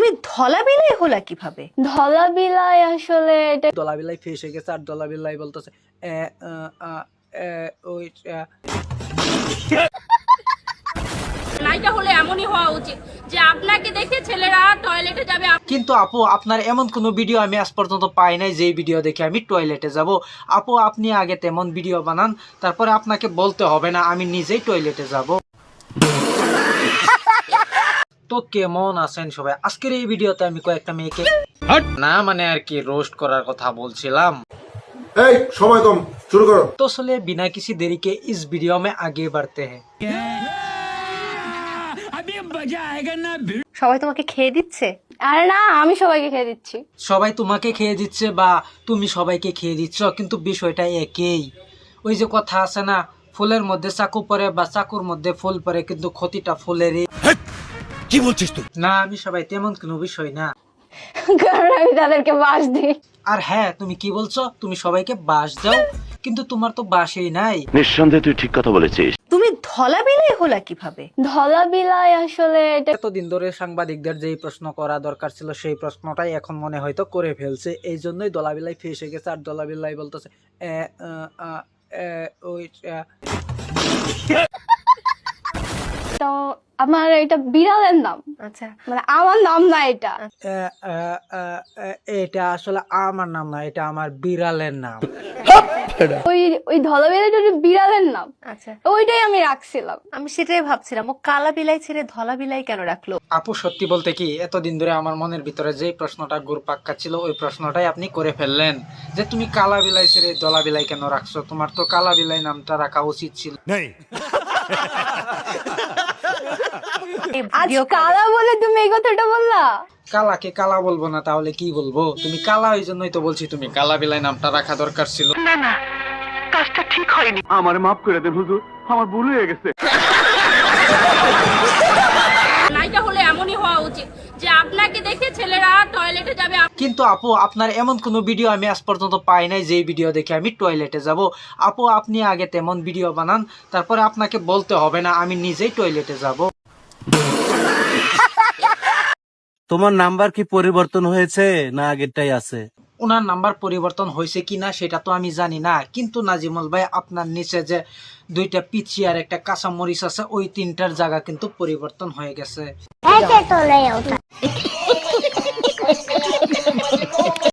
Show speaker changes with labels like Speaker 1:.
Speaker 1: তুমি ধলা বিলাই হলা কিভাবে?
Speaker 2: ধলা বিলাই আসলে এটা
Speaker 3: দলা বিলাই ফেস হয়ে গেছে আর দলা বিলাই বলতেছে ওই
Speaker 4: নাইটা হলে এমনই হওয়া উচিত যে আপনাকে দেখে ছেলেরা টয়লেটে যাবে।
Speaker 3: কিন্তু আপু আপনার এমন কোনো ভিডিও আমি আজ পর্যন্ত পাই নাই যেই ভিডিও দেখে আমি টয়লেটে যাব। আপু আপনি আগে তেমন ভিডিও বানান, তারপরে আপনাকে বলতে হবে না আমি নিজেই টয়লেটে যাব। তো কেমন আছেন সবাই? আজকের এই ভিডিওতে আমি কয়েকটা মেয়েকে না মানে আর কি রোস্ট করার কথা বলছিলাম।
Speaker 5: এই সময় কম, শুরু করো।
Speaker 3: तो चलिए बिना किसी देरी के इस वीडियो में आगे बढ़ते हैं।
Speaker 1: সবাই তোমাকে খেয়ে দিচ্ছে?
Speaker 2: আরে না, আমি সবাইকে খেয়ে দিচ্ছি।
Speaker 3: সবাই তোমাকে খেয়ে দিচ্ছে বা তুমি সবাইকে খেয়ে দিচ্ছ, কিন্তু বিষয়টা একই। ওই যে কথা আছে না, ফুলের মধ্যে চাকু পড়ে বা চাকুর মধ্যে ফুল পড়ে, কিন্তু ক্ষতিটা ফুলেরই।
Speaker 6: কি বলছিস তুই?
Speaker 3: না আমি সবাই তেমন কোনো বিষয় না।
Speaker 2: কারণ আমি তাদেরকে বাস দিই।
Speaker 3: আর হ্যাঁ তুমি কি বলছো, তুমি সবাইকে বাস দাও, কিন্তু তোমার তো বাসই নাই।
Speaker 6: নিঃসন্দেহে তুই ঠিক কথা বলেছিস।
Speaker 1: তুমি ধলা বিলাই হলা কিভাবে?
Speaker 2: ধলা বিলাই আসলে এটা
Speaker 3: এতদিন ধরে সাংবাদিকদের যেই প্রশ্ন করা দরকার ছিল সেই প্রশ্নটাই এখন মনে হয়তো করে ফেলছে, এই জন্যই দলাবিলাই ফেসে গেছে আর দলাবিলাই বলতেছে ওই
Speaker 2: তো আমার এটা বিড়ালের নাম,
Speaker 1: আচ্ছা,
Speaker 2: মানে আমার নাম না এটা।
Speaker 3: এটা আসলে আমার নাম না, এটা আমার বিড়ালের নাম।
Speaker 2: ওই ওই ধলা বিলাইটা ওটা বিড়ালের নাম,
Speaker 1: আচ্ছা,
Speaker 2: ওইটাই আমি রাখছিলাম।
Speaker 1: আমি সেটাই ভাবছিলাম ও কালা বিলাই ছেড়ে ধলা বিলাই কেন রাখলো।
Speaker 3: আপু সত্যি বলতে কি এতদিন ধরে আমার মনের ভিতরে যে প্রশ্নটা ঘুরপাক্কা ছিল ওই প্রশ্নটাই আপনি করে ফেললেন, যে তুমি কালা বিলাই ছেড়ে দলা বিলাই কেন রাখছো, তোমার তো কালা বিলাই নামটা রাখা উচিত ছিল।
Speaker 1: এই
Speaker 2: আজ
Speaker 1: ভিডিও
Speaker 2: কালা বলে তুমি এই কথাটা বললা?
Speaker 3: কালাকে কালা বলবো না তাহলে কি বলবো? তুমি কালা, ওই জন্যই তো বলছি তুমি কালা বিলাই নামটা রাখা দরকার ছিল।
Speaker 6: আমার মাফ করে দেন হুজুর, আমার ভুল হয়ে গেছে।
Speaker 4: নাইটা হলে এমনই হওয়া উচিত যে আপনাকে দেখে ছেলেরা টয়লেটে যাবে।
Speaker 3: কিন্তু আপু আপনার এমন কোনো ভিডিও আমি আজ পর্যন্ত পাই নাই যেই ভিডিও দেখে আমি টয়লেটে যাব। আপু আপনি আগে তেমন ভিডিও বানান, তারপরে আপনাকে বলতে হবে না আমি নিজেই টয়লেটে যাব।
Speaker 7: তোমার নাম্বার কি পরিবর্তন হয়েছে না আগেরটাই আছে?
Speaker 3: ওনার নাম্বার পরিবর্তন হয়েছে কিনা সেটা তো আমি জানি না, কিন্তু নাজিমুল ভাই আপনার নিচে যে দুইটা পিচি আর একটা কাঁচা মরিচ আছে ওই তিনটার জায়গা কিন্তু পরিবর্তন হয়ে গেছে।